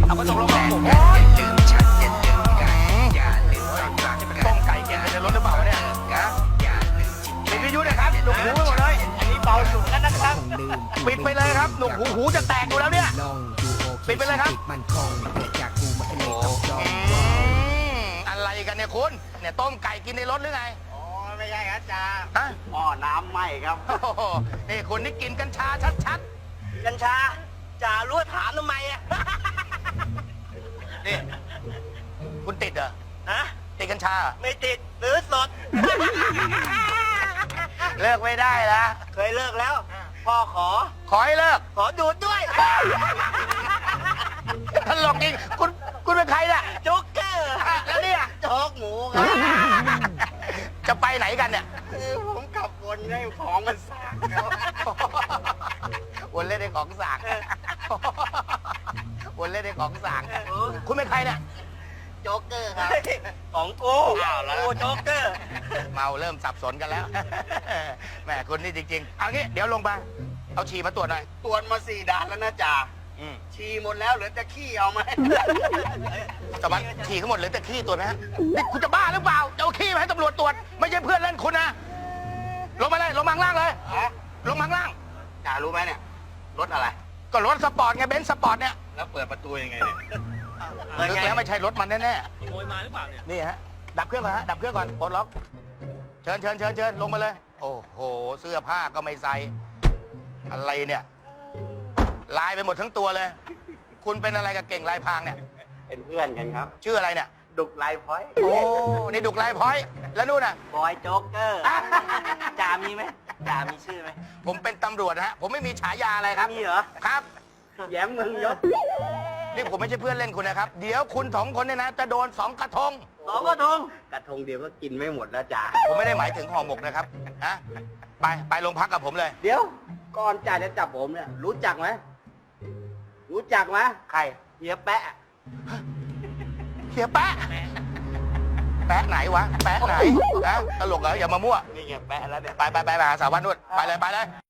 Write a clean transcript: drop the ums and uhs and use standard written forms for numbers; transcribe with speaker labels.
Speaker 1: เอาก็ตกลงกันโอ้ยเป็นต้มไก่กินในรถหรือเปล่าเนี่ยปิดวิทยุเลยครับหนุกหูไปหมดเลยอันนี้เบาสุดแล้วนะครับปิดไปเลยครับหนุกหูจะแตกอยู่แล้วเนี่ยปิดไปเลยครับอะไรกันเนี่ยคุณเนี่ยต้มไก่กินในรถหรือไง
Speaker 2: อ๋อไม่ใช่ครับจ่า
Speaker 1: ฮะ
Speaker 2: หม้อน้ำไหม้ครับ
Speaker 1: โอ้โหนี่คุณนี่กินกัญชาชัด
Speaker 2: กัญชาจ่ารู้ถามทำไมอ่ะ
Speaker 1: ๆนี่คุณติดเหรอ
Speaker 2: ฮะ
Speaker 1: ติดกัญชาเหรอ
Speaker 2: ไม่ติดซื้อสด
Speaker 1: เลิกไม่ได้ละ
Speaker 2: เคยเลิกแล้ว พ่อขอ
Speaker 1: ขอให้เลิก
Speaker 2: ขอดูดด้วย
Speaker 1: ตลกจริงคุณเป็นใครเนี่ย
Speaker 2: โจ๊กเกอร์
Speaker 1: แล้วเนี่ย
Speaker 2: โจ๊กหมูครับ
Speaker 1: จะไปไหนกันเนี่ย
Speaker 2: ผมขับวนให้ของมันสากครับ
Speaker 1: วนเล่นในของสางวนเล่นในของสางคุณเป็นใครเนี่ย
Speaker 2: โจ๊กเกอร์ครับของกู
Speaker 1: อ้าวแล้ว
Speaker 2: กูโจ๊กเกอร์
Speaker 1: เมาเริ่มสับสนกันแล้วแหมคุณนี่จริงๆเอางี้เดี๋ยวลงมาเอาฉี่มาตรวจหน่อย
Speaker 2: ตรวจมา4 ด่านแล้วนะจ่าฉี่หมดแล้วเหลือแต่ขี้เอาไหม
Speaker 1: จะมาฉี่ทั้งหมดเหลือแต่ขี้ตรวจไหมฮะนี่คุณจะบ้าหรือเปล่าจะเอาขี้มาให้ตำรวจตรวจไม่ใช่เพื่อนเล่นคุณนะลงมาเลยลงมาข้างล่างเลย
Speaker 2: ฮะ
Speaker 1: ลงมาข้างล่าง
Speaker 2: จ่ารู้ไหมเนี่ยรถอะไร
Speaker 1: ก็รถสปอร์ตไงเบนซ์สปอร์ตเนี่ย
Speaker 2: แล้วเปิดประตูยังไงเนี่ย
Speaker 1: ลึกแล้วไม่ใช่รถมันแน่
Speaker 3: ขโมยมาหรือเปล่าเนี่ย
Speaker 1: ๆนี่ฮะดับเครื่องก่อนฮะดับเครื่องก่อนปลดล็อกเชิญลงมาเลย โอ้โหเสื้อผ้าก็ไม่ใส่อะไรเนี่ยลายไปหมดทั้งตัวเลย คุณเป็นอะไรกับเก่งลายพรางเนี่ย
Speaker 2: เป็นเพื่อนกันครับ
Speaker 1: ชื่ออะไรเนี่ย
Speaker 2: ดุกไลฟ์พอยต์
Speaker 1: โอ้นี่ดุกลายพร้อยแล้วนู่นน่ะ
Speaker 2: บอยโจ๊กเกอร์จ่ามีไหมจ่ามีชื่อไหม
Speaker 1: ผมเป็นตำรวจนะฮะผมไม่มีฉายาอะไรครับ
Speaker 2: มีเหรอ
Speaker 1: ครับ
Speaker 2: แย้มเมืองยศ
Speaker 1: นี่ผมไม่ใช่เพื่อนเล่นคุณนะครับ เดี๋ยวคุณสองคนเนี่ยนะจะโดน2 กระทง
Speaker 2: 2 กระทงกระทงเดียวก็กินไม่หมดแล้วจ่า
Speaker 1: ผมไม่ได้หมายถึงห่อหมกนะครับฮะไปโรงพักกับผมเลย
Speaker 2: เดี๋ยวก่อนจ่าจะจับผมเนี่ยรู้จักไหมรู้จักไหม
Speaker 1: ใคร
Speaker 2: เฮียแปะ
Speaker 1: เฮียแปะแปะไหนวะแปะไหนนะตลกเหรออย่ามามั่ว
Speaker 2: นี่เฮียแปะแล้วเนี่ย
Speaker 1: ไปหาสาววันนู่นไปเลย